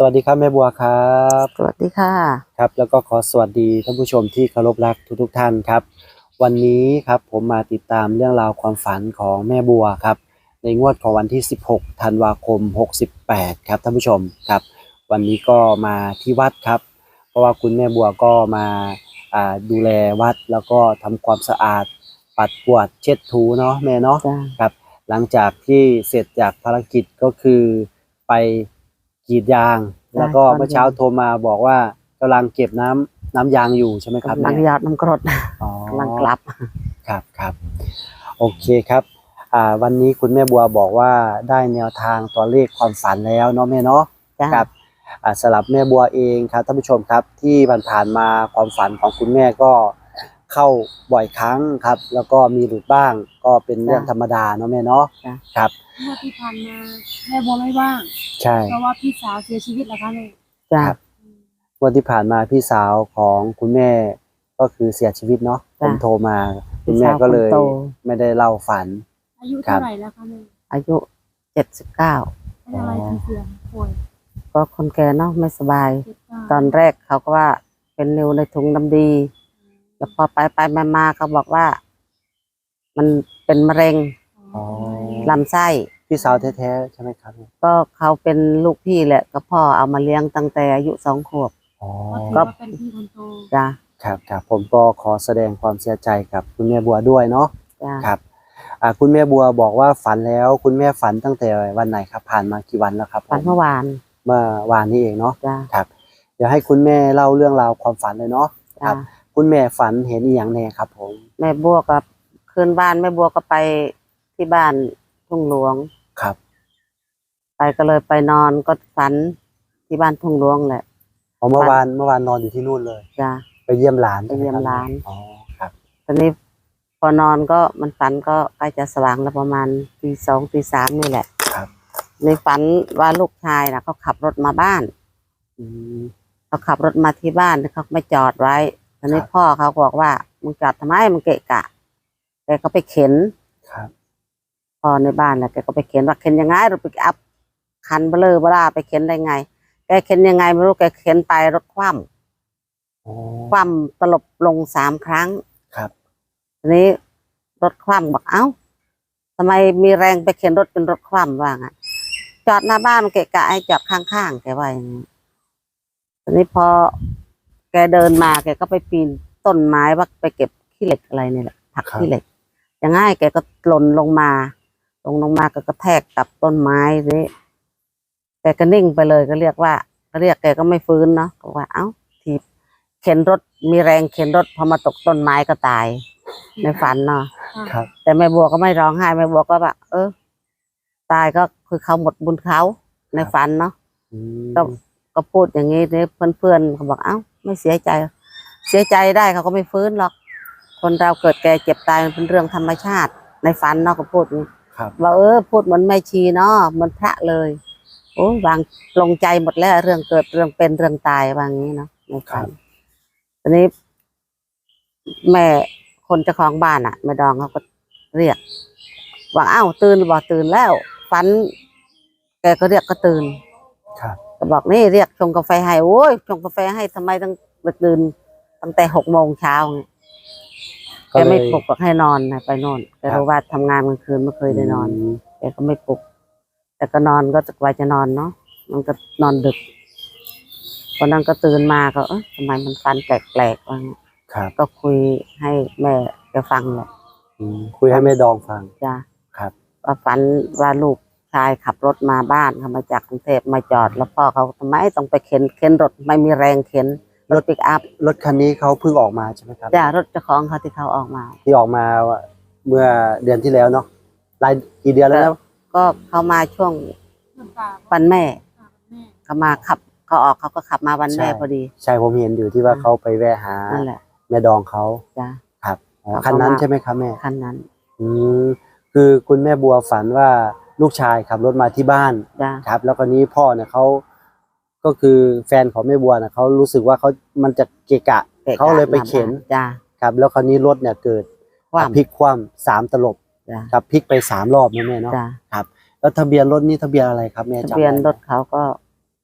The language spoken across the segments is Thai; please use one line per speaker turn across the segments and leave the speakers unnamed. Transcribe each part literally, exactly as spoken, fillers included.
วัสดีครับแม่บัวครับ
สวัสดีค่ะ
ครับแล้วก็ขอสวัสดีท่านผู้ชมที่เคารพรักทุกๆท่านครับวันนี้ครับผมมาติดตามเรื่องราวความฝันของแม่บัวครับในงวดของวันที่สิบหกธันวาคมหกสิบแปดครับท่านผู้ชมครับวันนี้ก็มาที่วัดครับเพราะว่าคุณแม่บัวก็มาอ่าดูแลวัดแล้วก็ทำความสะอาดปัดกวาดเช็ดถูเนาะแม่เนาะครับหลังจากที่เสร็จจากภารกิจก็คือไปกรีดยางแล้วก็เมื่อเช้าโทรมาบอกว่ากำลังเก็บน้ำน้ำยางอยู่ใช่ไหมครับ
กำลังหยอดน้ำกรดกำลังกลับ
ครับครับโอเคครับอ่าวันนี้คุณแม่บัวบอกว่าได้แนวทางตัวเลขความฝันแล้วเนาะแม่เนาะครับอ่าสำหรับแม่บัวเองครับท่านผู้ชมครับที่ผ่านๆมาความฝันของคุณแม่ก็เข้าบ่อยครั้งครับแล้วก็มีหลุดบ้างก็เป็นเรื่องธรรมดาเนาะแม่เนาะครับ
เมื่อที่ผ่านมาแม่บัวไม่ว่าง
ใช่
เพราะว่าพี่สาวเสียชีวิตแล้วค่ะแม่
ครับวันที่ผ่านมาพี่สาวของคุณแม่ก็คือเสียชีวิตเนาะผมโทรมาคุณแม่ก็เลยไม่ได้เล่าฝัน
อายุเท่าไหร่แล้วคะแม่
อายุเจ็ดสิบเก้า
เป็นอะไรถึงเสียป่วย
ก็คนแก่เนาะไม่สบายตอนแรกเขาก็ว่าเป็นนิ้วในถุงน้ำดีแล้วพอไปไปมามาเขาบอกว่ามันเป็นมะเร็งลำไส้
พี่สาวแท้ๆใช่ไหมครับ
ก็เขาเป็นลูกพี่แหละก็พ่อเอามาเลี้ยงตั้งแต่อายุสองขวบ
ก็เป็นพี่คนโต
จ้ะ
ครับครับผมก็ขอแสดงความเสียใจกับคุณแม่บัวด้วยเนาะครับอ่าคุณแม่บัวบอกว่าฝันแล้วคุณแม่ฝันตั้งแต่วันไหนครับผ่านมากี่วันแล้วครับ
ฝันเมื่อวาน
เมื่อวานนี้เองเนาะครับเดี๋ยวให้คุณแม่เล่าเรื่องราวความฝันเลยเนาะครับคุณแม่ฝันเห็นอีหยังแน่ครับผม
แม่บัวกับคืนบ้านแม่บัวก็ไปที่บ้านทุ่งหลวง
ครับ
ไปก็เลยไปนอนก็ฝันที่บ้านทุ่งหลวงแหละ
เมื่อวานเมื่อวานนอนอยู่ที่นู่นเลย
จ้ะ
ไปเยี่ยมหลาน
ไปเยี่ยมหลาน
อ๋อครับ
ตอนนี้พอนอนก็มันฝันก็ใกล้จะสว่างแล้วประมาณตีสองตีสามนี่แหละ
ครับ
ในฝันว่าลูกชายนะเขาขับรถมาบ้านเขาขับรถมาที่บ้านเขาไม่จอดไว้ตอนนี้พ่อเขาบอกว่ามึงจอดทำไมมึงเกะกะแกก็ไปเข็น
ครับ
พอในบ้านแหละแกก็ไปเข็นว่าเข็นยังไงรถปิกอัพคันเบลอเบล่าไปเข็นได้ไงแกเข็นยังไงไม่รู้แกเข็นไปรถคว่ำคว่ำตลบลงสามครั้ง
ครับ
ทีนี้รถคว่ำบอกเอ้าทำไมมีแรงไปเข็นรถจนรถคว่ำว่าไงจอดหน้าบ้านมันเกะกะให้จอดข้างๆแกว่าอย่างนี้ทีนี้พอแกเดินมาแกก็ไปปีนต้นไม้ว่าไปเก็บขี้เหล็กอะไรนี่แหละผักขี้เหล็กอย่างง่ายแกก็หล่นลงมาลงลงมาก็กระแทกกับต้นไม้นี้แกก็นิ่งไปเลยก็เรียกว่าก็เรียกแกก็ไม่ฟื้นเนาะก็ว่าเอ้าทีเข็นรถมีแรงเข็นรถพอมาตกต้นไม้ก็ตายในฝันเนาะแต่แม่บัวก็ไม่ร้องไห้แม่บัวก็แบบเออตายก็คือเขาหมดบุญเขาในฝันเนาะก็ก็พูดอย่างนี้เนี่ยเพื่อนๆเขาบอกเอ้าไม่เสียใจเสียใจได้เขาก็ไม่ฟื้นหรอกคนเราเกิดแก่เจ็บตายมันเป็นเรื่องธรรมชาติในฝันเนาะก็พูดนี้ว่าเออพูดเหมือนแม่ชีเนาะเหมือนพระเลยโอ้วางลงใจหมดแล้วเรื่องเกิดเรื่องเป็นเรื่องตายว่างี้เนาะในฝันตอนนี้แม่คนเจ้าของบ้านอ่ะแม่ดองเขาก็เรียกว่าอ้าวตื่นบอกตื่นแล้วฝันแกก็เรียกก็ตื่นก็บอกนี่เรียกชงกาแฟให้โอ้ยชงกาแฟให้ทำไมต้องตื่นตั้งแต่หกโมงเช้าแกไม่ปลุกก็ให้นอนไปนอนแกรู้ว่าทำงานกลางคืนไม่เคยได้นอนแกก็ไม่ปลุกแต่ก็นอนก็จะไว้จะนอนเนาะมันก็นอนดึกพอนั้นก็ตื่นมาก็เออทำไมมันฟันแปลกๆว่าก็คุยให้แม่แกฟังแหละ
คุยให้แม่ดองฟัง
จ้ะ
ครับ
ว่าฝันว่าลูกชายขับรถมาบ้านเขามาจากกรุงเทพมาจอดแล้วพ่อเขาทำไมต้องไปเข็นเข็นรถไม่มีแรงเข็นรถปิกอัพ
รถคันนี้เขาเพิ่งออกมาใช่ไหมครับ
จ้ะรถเจ้าของเขาที่เขาออกมา
ที่ออกมาเมื่อเดือนที่แล้วเนาะหลายกี่เดือนแล้ว
ก็เขามาช่วงวันแม่เขามาขับเขาออกเขาก็ขับมาวันแม่พอดี
ใช่ผมเห็นอยู่ที่ว่าเขาไปแวะหาแม่ดองเขา
จ้ะ
ครับคันนั้นใช่ไหมครับแม่
คันนั้น
อืมคือคุณแม่บัวฝันว่าลูกชายขับรถมาที่บ้านครับแล้วก็นี้พ่อเนี่ยเขาก็คือแฟนของแม่บัวนะเขารู้สึกว่าเขามันจะเกะกะเขาเลยไปเข็นครับแล้วคราวนี้รถเนี่ยเกิดพลิกคว่ำสามตลบครับพลิกไปสามรอบนะแม่เนาะครับแล้วทะเบียนรถนี่ทะเบียนอะไรครับแม่
ทะเบียนรถเขาก็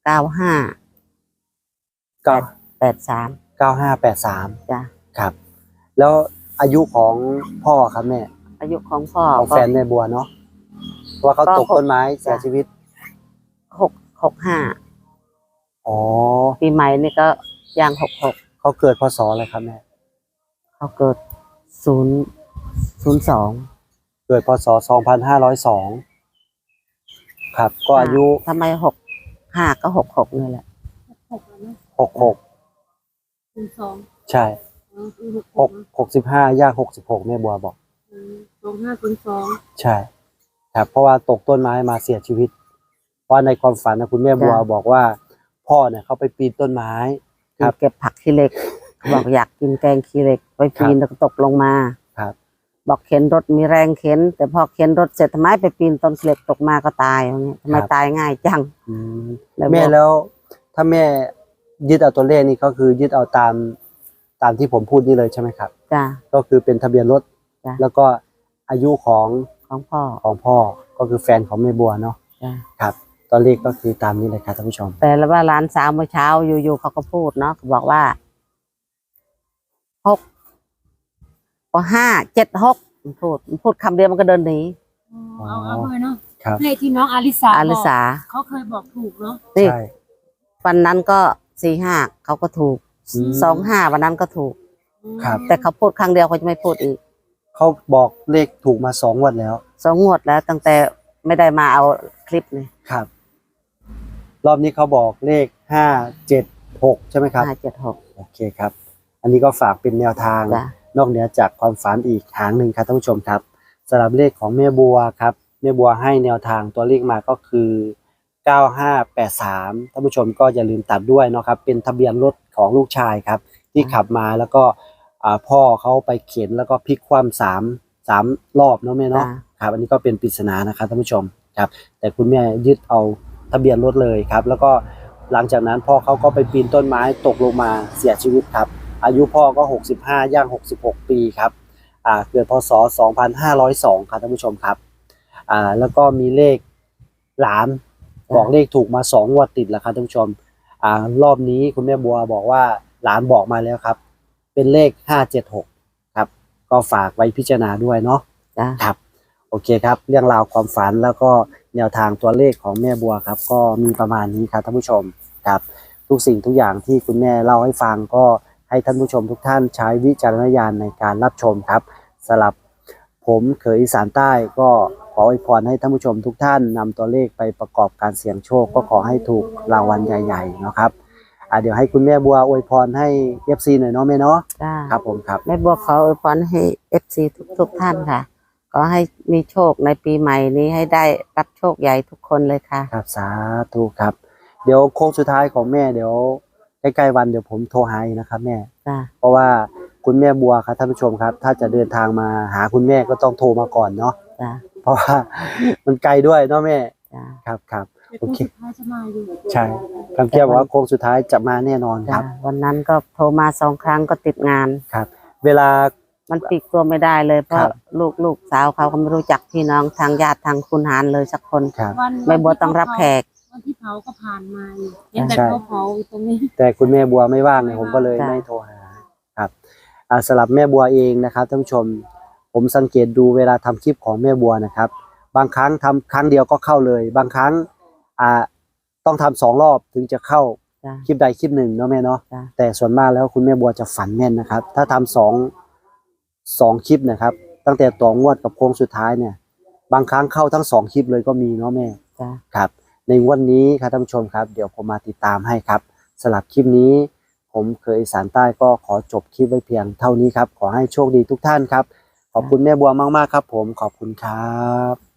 เก้าห้า
เก้า
แปดสาม
เก้าห้าแปดสาม
จ้ะ
ครับ แล้วอายุของพ่อครับแม่
อายุของพ่อ
ของ
ก็
แฟนแม่บัวเนาะว่าเขา
ก็
ตกต้นไม้เสีย
จ้ะ
ชีวิต
หกหกห้า
อ๋อ
ปีใหม่นี่ก็ย่างหกหก
เขาเกิดพศอะไรครับแม่
เขาเกิดศูนย์ศูนย์สอง
เกิดพศสองพันห้าร้อยสองครับ ก็อายุ
ทำไมหกห้าก็หกหกนี่แหละ
หกแล้วนะ
หกหก
คูณสอง
ใช่
อ๋อคือหก
หกหกสิบห้าย่างหกสิบหกแม่บัวบอก
อืมสองห้าคูณสอง
ใช่ ครับ เพราะว่าตกต้นไม้มาเสียชีวิต เพราะในความฝันนะคุณแม่บัวบอกว่า พ่อเนี่ยเขาไปปีนต้นไม้ ครับ
เก็บผักขี้เหล็กบอกอยากกินแกงขี้เหล็กไปปีนแล้วก็ตกลงมา
ครับ
บอกเข็นรถมีแรงเข็น แต่พอเข็นรถเสร็จทำไมไปปีนต้นขี้เหล็กตกมาก็ตายอย่างเงี้ยทำไม
ครับ
ตายง่ายจัง
อืม
แล้วบอก
แม่แล้วถ้าแม่ยึดเอาตัวเลขนี่ก็คือยึดเอาตามตามที่ผมพูดนี่เลยใช่ไหมครับ
จ้ะ
ก็คือเป็นทะเบียนรถ
จ้ะ
แล้วก็อายุของ
ของพ่อ
ของพ่อก็คือแฟนของแม่บัวเนาะ
จ้ะ
ครับตัวเลขก็คือตามนี้เลยครับท่านผู้ชม
แต่แล้วว่าร้านสาวเมื่อเช้าอยู่ๆเขาก็พูดเนาะบอกว่าหกก็ห้าเจ็ดหกพูดพูดคำเดียวมันก็เดินหนี
อ๋อเอาเอาเลยเนาะ
ครับ
เลขที่น้องอาริสา
อาลิสา
บอกเขาเคยบอกถูกเนาะ
นี่
ใช่
วันนั้นก็สี่ห้าเขาก็ถูก
อืม
สองห้าวันนั้นก็ถูก
ครับ
แต่เขาพูดครั้งเดียวเขาจะไม่พูดอีก
เขาบอกเลขถูกมาสองงวันแล้ว
สองงวดแล้วตั้งแต่ไม่ได้มาเอาคลิปนี่
ครับ รอบนี้เขาบอกเลขห้าเจ็ดหกใช่ไหมครับ
ห้าเจ็ดหก
โอเคครับ อันนี้ก็ฝากเป็นแนวทาง
จ้ะ
นอกเหนือจากความฝันอีกหางหนึ่งครับท่านผู้ชมครับสำหรับเลขของแม่บัวครับแม่บัวให้แนวทางตัวเลขมาก็คือเก้าห้าแปดสามท่านผู้ชมก็อย่าลืมตัดด้วยเนาะครับเป็นทะเบียนรถของลูกชายครับที่ขับมาแล้วก็อ่าพ่อเขาไปเข็นแล้วก็พลิกคว่ำสามสามรอบเนาะแม่เนาะ
จ้ะ
ครับอันนี้ก็เป็นปริศนานะครับท่านผู้ชมครับแต่คุณแม่ยึดเอาทะเบียนรถเลยครับแล้วก็หลังจากนั้นพ่อเขาก็ไปปีนต้นไม้ตกลงมาเสียชีวิตครับอายุพ่อก็หกสิบห้าย่างหกสิบหกปีครับอ่าเกิดพศสองพันห้าร้อยสองครับท่านผู้ชมครับอ่าแล้วก็มีเลขหลานบอกเลขถูกมาสองงวดติดแล้วครับท่านผู้ชมอ่ารอบนี้คุณแม่บัวบอกว่าหลานบอกมาแล้วครับเป็นเลขห้าเจ็ดหกครับก็ฝากไว้พิจารณาด้วยเนาะ
จ้ะ
ครับโอเคครับเรื่องราวความฝันแล้วก็แนวทางตัวเลขของแม่บัวครับก็มีประมาณนี้ครับท่านผู้ชมครับทุกสิ่งทุกอย่างที่คุณแม่เล่าให้ฟังก็ให้ท่านผู้ชมทุกท่านใช้วิจารณญาณในการรับชมครับสำหรับผมเขยอีสานใต้ก็ขออวยพรให้ท่านผู้ชมทุกท่านนำตัวเลขไปประกอบการเสี่ยงโชคก็ขอให้ถูกรางวัลใหญ่ๆนะครับอ่าเดี๋ยวให้คุณแม่บัวอวยพรให้ เอฟ ซี หน่อยเนาะแม่เนาะ
จ้ะ
ครับผมครับ
แม่บัวขออวยพรให้เอฟซีทุกทุกๆท่านค่ะขอให้มีโชคในปีใหม่นี้ให้ได้รับโชคใหญ่ทุกคนเลยค่ะ
ครับสาธุครับเดี๋ยวโค้งสุดท้ายของแม่เดี๋ยวใกล้ๆวันเดี๋ยวผมโทรหาอีกนะครับแม่
จ้ะ
เพราะว่าคุณแม่บัวครับท่านผู้ชมครับ ถ้าจะเดินทางมาหาคุณแม่ก็ต้องโทรมาก่อนเนาะ
จ้ะ
เพราะว่า มันไกลด้วยเนาะแม่
จ้ะ
ครับครับ
แต่
โอ
คน
เค
สุดท้ายจะมาอยู่
ใช่คำเกียบอกว่าโค้งสุดท้ายจะมาแน่นอนค
จ้ะ
รับ
วันนั้นก็โทรมาสองครั้งก็ติดงาน
ครับ เวลา
มันปลีกตัวไม่ได้เลยเพ
ครั
ราะ
บ
ลูกลูกสาวเขาก็ไม่รู้จักพี่น้องทางญาติทางคุณหารเลยสักคน
ครับ
วัน
แม่บัวต้องรับแขก
วันที่เผาก็ผ่านมาอยู่เห็นแต่
ใช่
เขาเผาอยู่ตรงนี้
แต่คุณแม่บัวไม่ว่างเลยผมก็เลย
จ้ะ
ไม่โทรหาครับอ่าสำหรับแม่บัวเองนะครับท่านผู้ชม ผมสังเกตดูเวลาทำคลิปของแม่บัวนะครับ บางครั้งทำครั้งเดียวก็เข้าเลย บางครั้งอ่าต้องทำสองรอบถึงจะเข้า
จ้ะ
คลิปใดคลิปหนึ่งเนาะแม่เนาะ
จ้ะ
แต่ส่วนมากแล้วคุณแม่บัวจะฝันแม่นนะครับ ถ้าทำสองสองคลิปนะครับ ตั้งแต่ต่องวดกับโค้งสุดท้ายเนี่ย บางครั้งเข้าทั้งสองคลิปเลยก็มีเนาะแม่
จ้ะ
ครับ ในงวันนี้ครับท่านผู้ชมครับ เดี๋ยวผมมาติดตามให้ครับสำหรับคลิปนี้ ผมเคยอีสานใต้ก็ขอจบคลิปไว้เพียงเท่านี้ครับ ขอให้โชคดีทุกท่านครับ ขอบคุณแม่บัวมากๆครับ ผมขอบคุณครับ